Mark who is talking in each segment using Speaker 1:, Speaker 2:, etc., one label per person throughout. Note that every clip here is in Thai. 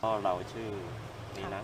Speaker 1: ก็เราชื่อนี้นะ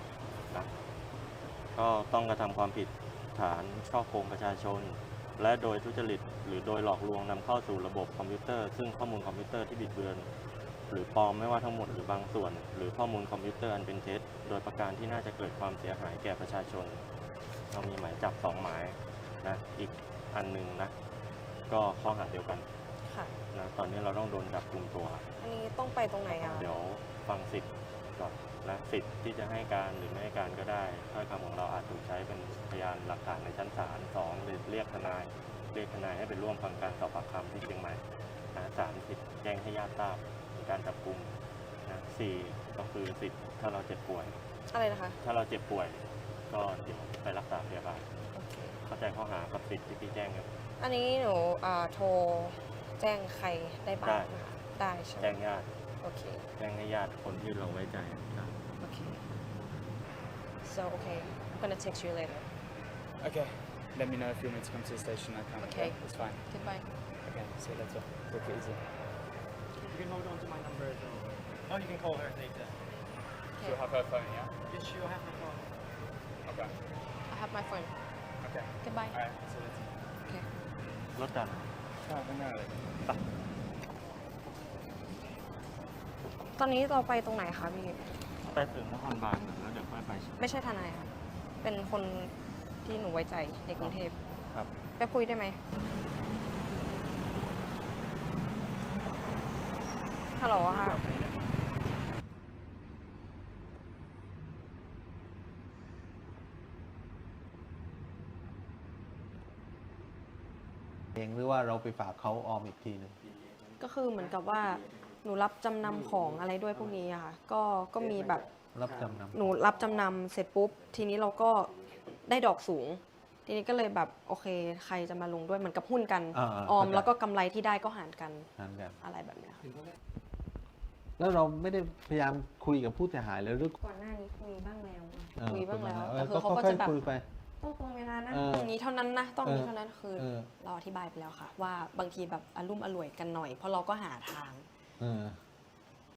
Speaker 1: ก็ต้องกระทำความผิดฐานฉ้อโกงประชาชน และโดยทุจริตหรือโดยหลอกลวงนำเข้าสู่ระบบคอมพิวเตอร์ซึ่งข้อมูลคอมพิวเตอร์ที่บิดเบือนหรือปลอมไม่ว่าทั้งหมดหรือบางส่วนหรือข้อมูลคอมพิวเตอร์อันเป็นเท็จโดยประการที่น่าจะเกิดความเสียหายแก่ประชาชนเรามีหมายจับ2 หมายนะอีกอันหนึ่งนะก็ข้อหาเดียวกัน
Speaker 2: ค่ะ
Speaker 1: นะตอนนี้เราต้องโดนจับกุมตัว
Speaker 2: อันนี้ต้องไปตรงไหนอ่ะ
Speaker 1: เดี๋ยวฟังสิทธิ์ก่อนนะสิทธิ์ที่จะให้การหรือไม่ให้การก็ได้ถ้อยคำของเราอาจถูกใช้เป็นพยานหลักฐานในชั้นศาล2หรือเรียกทนายให้ไปร่วมฟังการสอบปากคำที่เชียงใหม่นะ3สิทธิ์แจ้งให้ญาติทราบในการจับกุมนะ4ก็คือสิทธิ์ถ้าเราเจ็บป่วย
Speaker 2: อะไรนะคะ
Speaker 1: ถ้าเราเจ็บป่วยก็เดี๋ยวไปรักษาพยาบาล
Speaker 2: โอเค
Speaker 1: เข้าใจข้อหากับสิทธิ์ที่พี่แจ้งครับ
Speaker 2: อันนี้หนูโทรแจ้งใครได้บ้างนะคะได้ใช่ไหม
Speaker 1: แจ้งญาติ
Speaker 2: โอเค
Speaker 1: แจ้งให้ญาติคนที่เราไว้ใจครับ
Speaker 2: โอเค so okay I'm gonna text you later
Speaker 3: Okay. Let me know if you want me to come to the station. I can.
Speaker 2: Okay.
Speaker 3: It's fine.
Speaker 2: goodbye
Speaker 3: Okay. See you later. Take it easy.
Speaker 4: You can hold on to my number as well. Oh, you can call her later.
Speaker 3: She'll have her phone, yeah?
Speaker 4: Yes, she'll have the phone.
Speaker 3: Okay.
Speaker 2: I have my phone
Speaker 3: Okay.
Speaker 2: goodbye
Speaker 3: Alright. See you later.
Speaker 2: โอเค
Speaker 1: รถจัน
Speaker 3: Oh, no.
Speaker 2: ตอนนี้เราไปตรงไหนคะพี่
Speaker 1: ไปถึงนครบาลแล้วเดี๋ยวค่อยไป
Speaker 2: ไม่ใช่ทนายค่ะเป็นคนที่หนูไว้ใจในกรุงเทพ
Speaker 1: ครับ
Speaker 2: ไปคุยได้ไหมฮัลโหลค่ะ
Speaker 5: เองหรือว่าเราไปฝากเขาออมอีกทีหนึง
Speaker 2: ก็คือเหมือนกับว่าหนูรับจำนำของอะไรด้วยพวกนี้อะค่ะก็มีแบบ
Speaker 5: รับจำนำ
Speaker 2: หนูรับจำนำเสร็จปุ๊บ ทีนี้เราก็ได้ดอกสูง ทีนี้ก็เลยแบบโอเคใครจะมาลงด้วยเหมือนกับหุ้นกัน ออมแล้วก็กำไรที่ได้ก็หารกัน
Speaker 5: นั่นแบบ
Speaker 2: อะไรแบบเนี้ยค่ะ
Speaker 5: แล้วเราไม่ได้พยายามคุยกับผู้เสียหายเลยหรือ
Speaker 2: ก่อนหน้านี้คุยบ้างแล้ว
Speaker 5: เออ
Speaker 2: คุยบ้างแล้ว
Speaker 5: เอ
Speaker 2: แต่
Speaker 5: อ
Speaker 2: คือเขา
Speaker 5: ก็
Speaker 2: ก็
Speaker 5: ค่อ
Speaker 2: จะ
Speaker 5: ย
Speaker 2: แบบ
Speaker 5: ๆคุยไป
Speaker 2: ต้องตรงเวลานะ
Speaker 5: เออ
Speaker 2: ตรงนี้เท่านั้นนะต้องนี้เท่านั้นคือ
Speaker 5: เออ
Speaker 2: เราอธิบายไปแล้วค่ะ ว่าบางทีแบบอารมุ่มอร่วยกันหน่อย เพราะเราก็หาทาง
Speaker 5: เออ